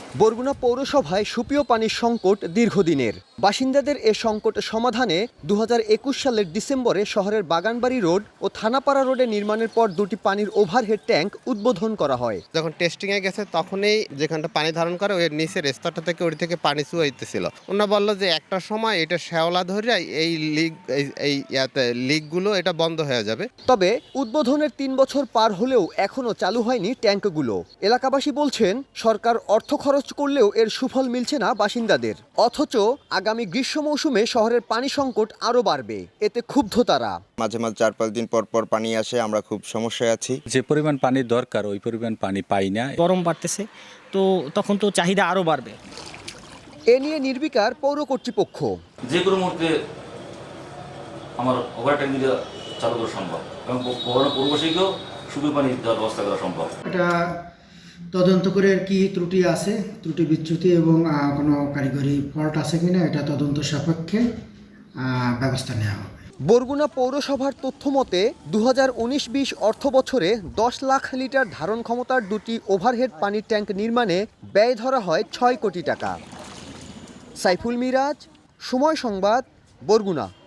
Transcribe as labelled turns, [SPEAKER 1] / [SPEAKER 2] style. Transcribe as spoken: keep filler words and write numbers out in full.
[SPEAKER 1] বরগুনা পৌরসভায় সুপেয় পানির সংকট দীর্ঘদিনের। বাসিন্দাদের এ সংকট সমাধানে দু হাজার একুশ সালের ডিসেম্বরে শহরের বাগানবাড়ি রোড ও থানাপাড়া রোডে নির্মাণের পর দুটি পানির ওভারহেড ট্যাঙ্ক উদ্বোধন করা হয়।
[SPEAKER 2] যখন টেস্টিংয়ে গেছে তখনই যেখানটা পানি ধারণ করে ওই নিচের স্তরটা থেকে ওই থেকে পানি চুয়াইতেছিল। ওনা বললো যে একটা সময় এটা শ্যাওলা ধরে এই লিক এই ইয়াতে লিকগুলো এটা বন্ধ হয়ে যাবে।
[SPEAKER 1] তবে উদ্বোধনের তিন বছর পার হলেও এখনও চালু হয়নি ট্যাঙ্কগুলো। এলাকাবাসী বলছেন সরকার অর্থ খরচ করলেও এর সুফল মিলছে না বাসিন্দাদের। অথচ আগামী গ্রীষ্ম মৌসুমে শহরের পানি সংকট আরও বাড়বে, এতে ক্ষুব্ধ তারা।
[SPEAKER 3] মাঝে মাঝে চার পাঁচ দিন পর পর পানি আসে, আমরা খুব সমস্যায় আছি।
[SPEAKER 4] যে পরিমাণ পানির দরকার ওই পরিমাণ পানি পাই না।
[SPEAKER 5] গরম বাড়তেছে, তো তখন তো চাহিদা আরও বাড়বে।
[SPEAKER 1] এ নিয়ে নির্বিকার পৌর কর্তৃপক্ষ।
[SPEAKER 6] যে কোনো মুহূর্তে আমার ওভার ট্যাঙ্কি চালু করা সম্ভব এবং পূর্বশীকেও সুপেয় পানি দেওয়ার ব্যবস্থা করা সম্ভব।
[SPEAKER 7] এটা তদন্ত করে কি ত্রুটি আছে, ত্রুটি বিচ্যুতি এবং কোনো কারিগরি ফল্ট আছে কিনা এটা তদন্ত সাপেক্ষে ব্যবস্থা নেওয়া হবে।
[SPEAKER 1] বরগুনা পৌরসভার তথ্য মতে দু হাজার উনিশ বিশ অর্থ বছরে দশ লাখ লিটার ধারণ ক্ষমতার দুটি ওভারহেড পানির ট্যাঙ্ক নির্মাণে ব্যয় ধরা হয় ছয় কোটি টাকা। সাইফুল মিরাজ, সময় সংবাদ, বরগুনা।